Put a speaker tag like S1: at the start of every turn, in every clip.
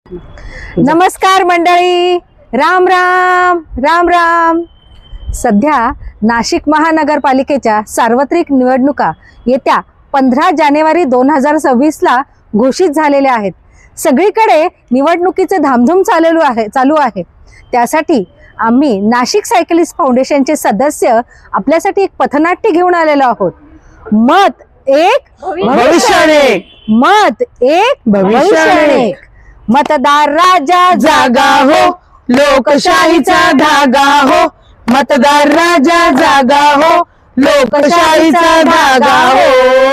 S1: नमस्कार मंडळी, राम राम राम राम. सध्या नाशिक महानगरपालिकेच्या सार्वत्रिक निवडणुका येत्या 15 जानेवारी 2026 ला घोषित झालेल्या आहेत. सगळीकडे निवडणुकीचे धामधूम चालू आहे. त्यासाठी आम्ही नाशिक सायकलिस्ट फाउंडेशनचे सदस्य आपल्यासाठी एक पथनाट्य घेऊन आलेलो आहोत. मत एक भविष्य एक, मत एक भविष्य एक. मतदार राजा जागा हो, लोकशाहीचा धागा हो. मतदार राजा जागा हो, लोकशाहीचा धागा हो.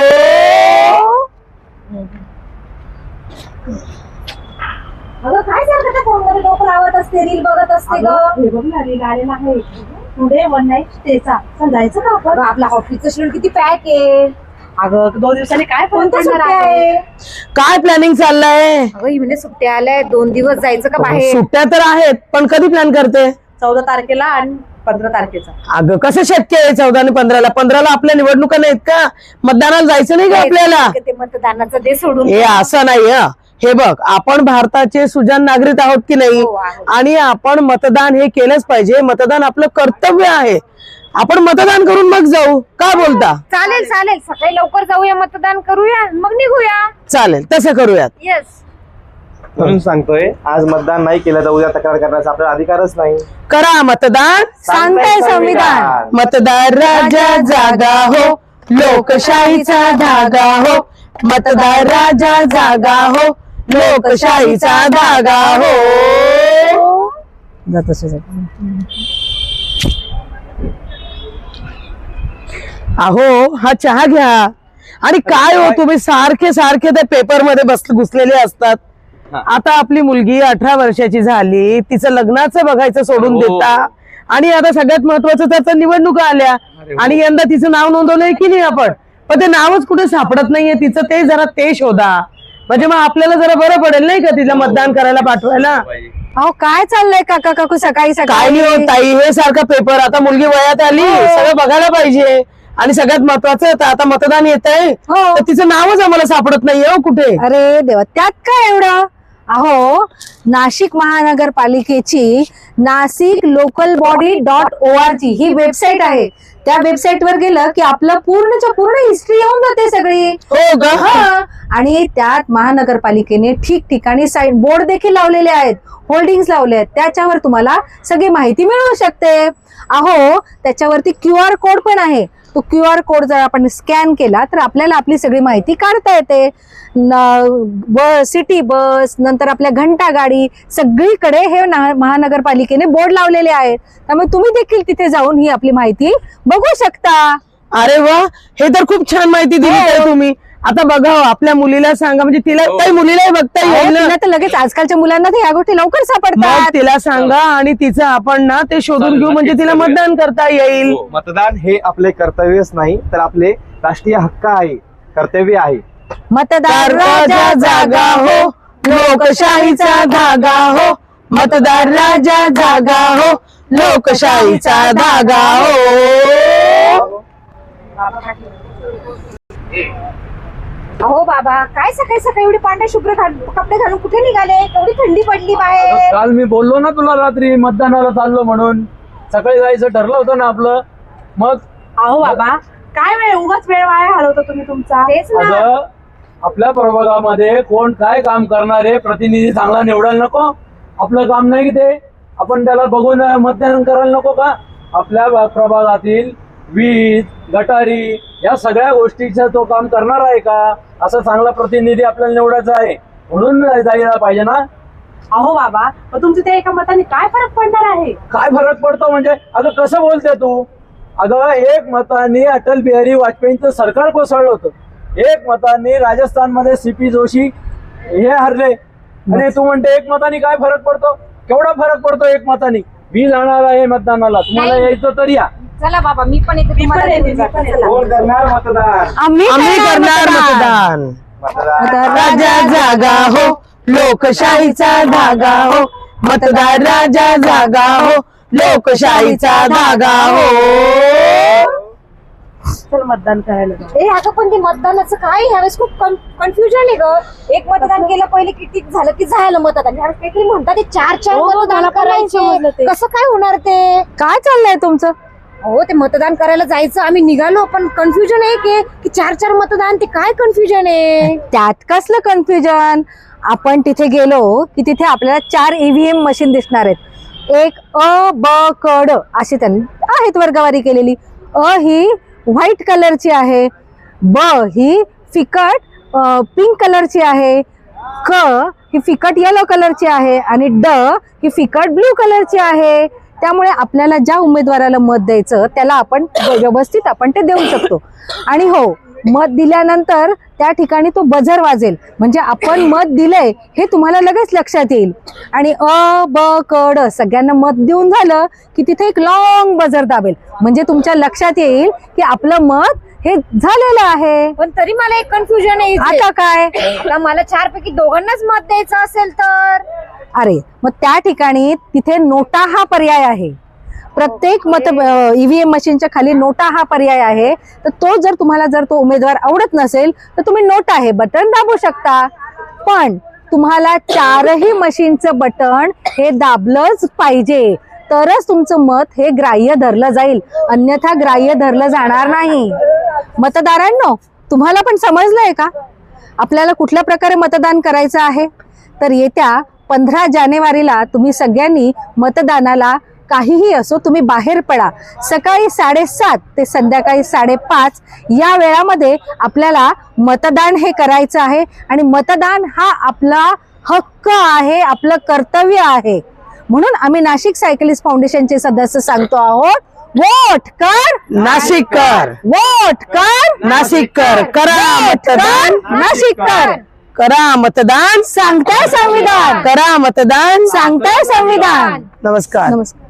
S2: अगं काय सारखं त्या फोनमध्ये डोकं लावत असते, रील बघत असते ग. रील आलेला आहे टुडे वन नाईट स्टेचा. जायचं का आपण? आपला ऑफिसचं शेड्यूल किती पॅक आहे. अगं 2 दिवसांनी काय फोन आहे.
S1: काय प्लॅनिंग चाललंय?
S2: अगं ही म्हणजे सुट्ट्या आल्या, 2 दिवस जायचं का बाहेर?
S1: सुट्ट्या तर आहेत, पण कधी प्लॅन करते?
S2: 14 तारखेला आणि 15 तारखेचा.
S1: अगं कसं शक्य आहे 14 आणि 15ला? 15ला आपल्या निवडणुका नाहीत का? मतदानाला जायचं नाही का आपल्याला?
S2: ते मतदानाचं दे सोडून.
S1: हे असं नाही. हे बघ, आपण भारताचे सुजाण नागरिक आहोत की नाही,
S2: हो, आहोत.
S1: आणि आपण मतदान हे केलंच पाहिजे. मतदान आपलं कर्तव्य आहे. आपण मतदान करून मग जाऊ, का बोलता?
S2: चालेल चालेल, सकाळी लवकर जाऊया, मतदान करूया, मग निघूया.
S1: चालेल, तसं करूयात.
S2: येस.
S3: म्हणून सांगतोय, आज मतदान नाही केलं तर उद्या तक्रार करण्याचा आपला अधिकारच नाही.
S1: करा मतदान, सांगताय संविधान. मतदार राजा जागा हो, लोकशाहीचा धागा हो. मतदार राजा जागा हो, लोकशाहीचा धागा हो. अहो, हा चहा घ्या. आणि काय हो, तुम्ही सारखे सारखे त्या पेपर मध्ये घुसलेले असतात. आता आपली मुलगी 18 वर्षाची झाली, तिचं लग्नाचं बघायचं सोडून देता, आणि आता सगळ्यात महत्वाचं त्याचं निवडणुका आल्या, आणि यंदा तिचं नाव नोंदवलंय की नाही आपण, पण ते नावच कुठे सापडत नाहीये तिचं. ते जरा ते शोधा, म्हणजे मग आपल्याला जरा बरं पडेल नाही का तिला मतदान करायला पाठवायला. अहो काय चाललंय काका काकू सकाळी सकाळी? काय नाही ताई, हे सारखा पेपर. आता मुलगी वयात आली, सगळं बघायला पाहिजे. आणि सगळ्यात महत्वाचं आता मतदान येत आहे, तर तिचं नावच आम्हाला सापडत नाहीये कुठे. अरे देवा, त्यात काय एवढं? अहो, नाशिक महानगरपालिकेची नाशिक लोकल बॉडी .org ही वेबसाईट आहे. त्या वेबसाईट वर गेलं की आपलं पूर्णच्या पूर्ण हिस्ट्री येऊन जाते सगळी. हो ग. आणि त्यात महानगरपालिकेने ठिकठिकाणी साईन बोर्ड देखील लावलेले आहेत, होल्डिंग्स लावले आहेत. त्याच्यावर तुम्हाला सगळी माहिती मिळू शकते. अहो, त्याच्यावरती QR कोड पण आहे. तो QR कोड जर आपण स्कॅन केला तर आपल्याला आपली सगळी माहिती काढता येते. सिटी बस, नंतर आपल्या घंटा गाडी, सगळीकडे हे महानगरपालिकेने बोर्ड लावलेले आहेत. त्यामुळे तुम्ही देखील तिथे जाऊन ही आपली माहिती बघू शकता. अरे वा, हे तर खूप छान माहिती दिली तुम्ही. आता बघा, आपल्या मुलीला सांगा, म्हणजे तिला काही मुलीलाही बघता येईल ना. तर लगेच आजकालच्या मुलांना ह्या गोष्टी लवकर सापडतात. तिला सांगा आणि तिचं आपण ना ते शोधून घेऊ, म्हणजे तिला मतदान करता येईल.
S3: मतदान हे आपले कर्तव्यच नाही, तर आपले राष्ट्रीय हक्क आहे, कर्तव्य आहे.
S1: मतदार राजा जागा हो, लोकशाहीचा धागा हो. मतदार राजा जागा हो, लोकशाहीचा धागा हो.
S2: अहो बाबा, काय सकाळी सकाळी एवढी पांढऱ्या शुभ्र कपडे घालून कुठे निघाले? एवढी थंडी पडली बाहेर.
S4: काल मी बोललो ना तुला, रात्री मतदानाला चाललो म्हणून. सकाळी जायचं ठरलं होतं ना आपलं. मग
S2: अहो बाबा, काय वेळ, उगाच वेळ वाया घालवतो तुम्ही तुमचा. तेच ना.
S4: अगं, आपल्या प्रभागामध्ये कोण काय काम करणारे प्रतिनिधी चांगला निवडायला नको? आपलं काम नाही की ते आपण त्याला बघून मतदान करायला नको का? आपल्या प्रभागातील वीज, गटारी या सगळ्या गोष्टीचं तो काम करणार आहे का? असं चांगला प्रतिनिधी आपल्याला निवडायचा आहे, म्हणून जायला पाहिजे ना.
S2: अहो बाबा, पण तुमचं त्या एका मताने काय फरक पडणार आहे?
S4: काय फरक पडतो म्हणजे? अगं कसं बोलते तू? अगं, 1 मताने अटल बिहारी वाजपेयींचं सरकार कोसळलं होतं. 1 मताने राजस्थानमध्ये CP जोशी हे हरले, आणि तू म्हणते 1 मताने काय फरक पडतो? केवढा फरक पडतो 1 मताने? मी जाणार आहे मतदानाला, तुम्हाला यायचं तर या.
S2: चला बाबा, मी पण येते.
S3: कोण करणार मतदान?
S1: आम्ही करणार मतदान. मतदार राजा जागा हो, लोकशाहीचा धागा हो. मतदार राजा जागा हो, लोकशाहीचा धागा हो. चल मतदान करायला जाऊ.
S2: ए अगं पण ते मतदानाचं काय ह्यावेळेस खूप कन्फ्युजन आहे ग. एक मतदान केलं पहिले किती झालं की झालं मतदान, ह्यावेळेस काहीतरी म्हणतात ते 4
S1: हो,
S2: मतदान
S1: मला पण नाही समजलं ते.
S2: करायचे. कसं काय होणार ते?
S1: काय चाललंय तुमचं?
S2: हो ते मतदान करायला जायचं आम्ही निघालो, पण कन्फ्युजन आहे की 4 मतदान, ते काय कन्फ्युजन आहे?
S5: त्यात कसलं कन्फ्युजन. आपण तिथे गेलो की तिथे आपल्याला 4 EVM मशीन दिसणार आहेत. एक अ ब क ड अशी त्यांनी आहेत वर्गवारी केलेली. अ ही व्हाईट कलरची आहे, ब ही फिकट पिंक कलरची आहे, क ही फिकट येलो कलरची आहे आणि ड ही फिकट ब्ल्यू कलरची आहे. त्यामुळे आपल्याला ज्या उमेदवाराला मत द्यायचं त्याला आपण व्यवस्थित आपण ते देऊ शकतो. आणि हो, मत दिल्यानंतर त्या ठिकाणी तो बझर वाजेल, म्हणजे आपण मत दिलंय हे तुम्हाला लगेच लक्षात येईल. आणि अ ब क ड सगळ्यांना मत देऊन झालं की तिथे एक लॉंग बझर दाबेल, म्हणजे तुमच्या लक्षात येईल की आपलं मत हे झालेलं आहे.
S2: पण तरी मला एक कन्फ्युजन आहे इथे.
S5: आता काय?
S2: आता मला 4 पैकी दोघांनाच मत द्यायचं असेल तर?
S5: अरे मग त्या ठिकाणी तिथे नोटा हा पर्याय आहे. प्रत्येक EVM मशीनच्या खाली नोटा हा पर्याय आहे. तर तो जर तुम्हाला जर तो उमेदवार आवडत नसेल तर तुम्ही नोटा हे बटन दाबू शकता. पण तुम्हाला 4ही मशीनचं बटन हे दाबलंच पाहिजे, तरच तुमचं मत हे ग्राह्य धरलं जाईल, अन्यथा ग्राह्य धरलं जाणार नाही. मतदारांनो, तुम्हाला पण समजलंय का आपल्याला कुठल्या प्रकारे मतदान करायचं आहे? तर येत्या 15 जानेवारीला तुम्ही सगळ्यांनी मतदानाला काहीही असो तुम्ही बाहेर पडा. सकाळी 7:30 ते संध्याकाळी 5:30 या वेळामध्ये आपल्याला मतदान हे करायचं आहे. आणि मतदान हा आपला हक्क आहे, आपलं कर्तव्य आहे. म्हणून आम्ही नाशिक सायकलिस्ट फाउंडेशनचे सदस्य सांगतो आहोत, वोट कर
S1: नाशिककर,
S5: वोट कर
S1: नाशिककर, करा मतदान,
S5: नाशिककर.
S1: करा मतदान,
S5: सांगताय संविधान,
S1: करा मतदान.
S5: सांगताय संविधान.
S1: नमस्कार.
S5: नमस्कार.